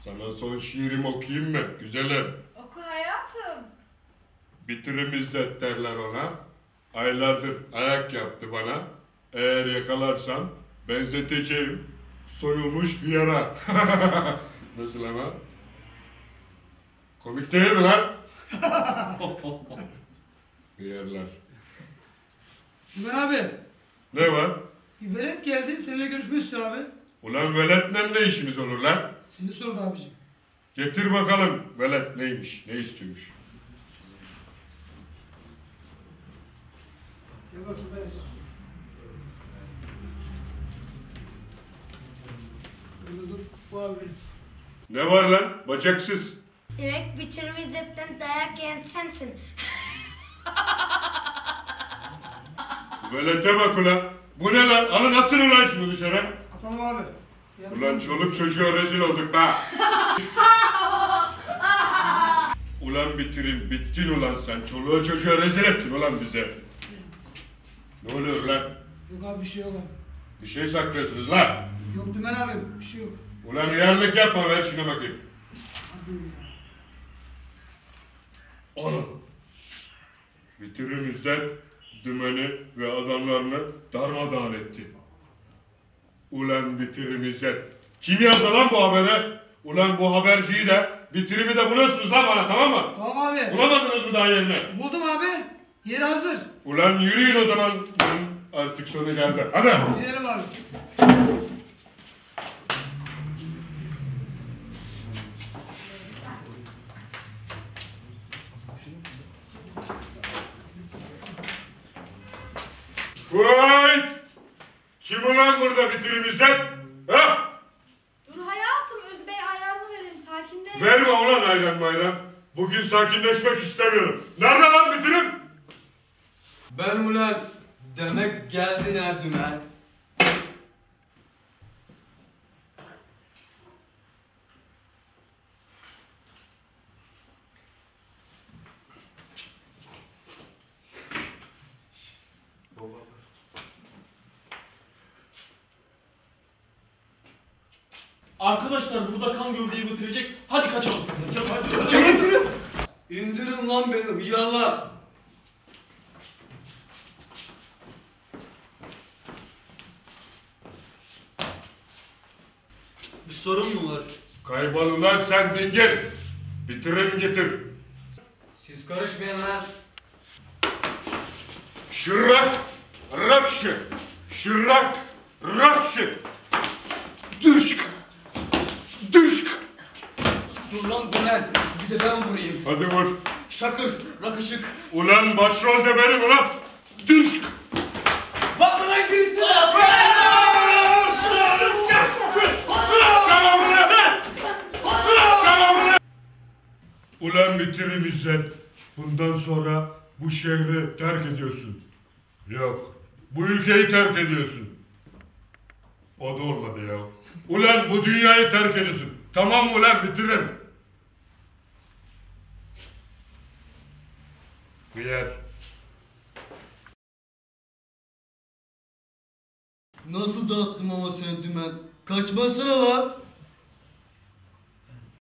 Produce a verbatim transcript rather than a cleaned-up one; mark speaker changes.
Speaker 1: Sana son şiirimi okuyayım mı güzelim?
Speaker 2: Oku hayatım.
Speaker 1: Bitirim İzzet derler ona. Aylardır ayak yaptı bana. Eğer yakalarsam benzeteceğim soyulmuş bir yara. Nasıl ama? Komik değil mi lan? Yerler.
Speaker 3: Ömer abi.
Speaker 1: Ne var?
Speaker 3: Bir velet geldi seninle görüşmek istiyor abi.
Speaker 1: Ulan veletle ne işimiz olur lan?
Speaker 3: Seni sordu abicim.
Speaker 1: Getir bakalım velet neymiş, ne istiyormuş.
Speaker 3: Gel bakayım ben. Burada dur. Bu abi benim.
Speaker 1: Ne var lan? Bacaksız.
Speaker 4: Demek bitirme izzetten dayak yiyen sensin.
Speaker 1: Velete bak ulan. Bu ne lan? Alın atın ulan şunu dışarı.
Speaker 3: Atalım abi.
Speaker 1: Ulan çoluk çocuğa rezil olduk be. Ulan bitirin, bittin ulan sen. Çoluğa çocuğa rezil ettin ulan bize. Ne oluyor lan?
Speaker 3: Yok abi bir şey yok abi.
Speaker 1: Bir şey saklıyorsunuz lan.
Speaker 3: Yok Dümen abi bir şey yok.
Speaker 1: Ulan uyarlık yapma, ver şuna bakayım.
Speaker 3: Hadi ya.
Speaker 1: Onu. Bitirim İzzet, dümeni ve adamlarını darmadağın etti. Ulan bitirim İzzet. Kim yazdı lan bu habere? Ulan bu haberciyi de, bitirimi de buluyorsunuz lan bana, tamam mı?
Speaker 3: Tamam abi.
Speaker 1: Bulamadınız mı daha yerini?
Speaker 3: Buldum abi. Yeri hazır.
Speaker 1: Ulan yürüyün o zaman. Artık sonu geldi. Hadi.
Speaker 3: Gidelim abi.
Speaker 1: Vay! Kim ulan burada bitirim İzzet? Ha?
Speaker 2: Dur hayatım, Özbey ayranını verelim, sakinleş.
Speaker 1: Verme ulan ayran mayran. Bugün sakinleşmek istemiyorum. Nerede lan bitirim?
Speaker 5: Ben ulan demek geldin ha dümen.
Speaker 6: Arkadaşlar burada kan gövdeyi götürecek. Hadi kaçalım. Kaçalım hadi.
Speaker 5: Kaçalım. İndirin lan beni hıyarlar. Bir sorun mu var?
Speaker 1: Kaybol ulan sen dingil. Bitirim getir.
Speaker 5: Siz karışmayın lan.
Speaker 1: Şırrak, rakşı. Şırrak, rakşı. Dürşk. Dürşk.
Speaker 5: Dur lan dümen. Bir de ben vurayım.
Speaker 1: Hadi vur.
Speaker 5: Şakır, rakışık.
Speaker 1: Ulan başrol de benim ulan. Dürşk.
Speaker 5: Bak lan birisi.
Speaker 1: Ulan bitirim İzzet. Bundan sonra bu şehri terk ediyorsun. Yok. Bu ülkeyi terk ediyorsun. O da olmadı ya. Ulan bu dünyayı terk ediyorsun. Tamam mı ulan bitirim. Bir yer.
Speaker 5: Nasıl dağıttım ama seni dümen? Kaçmasana lan.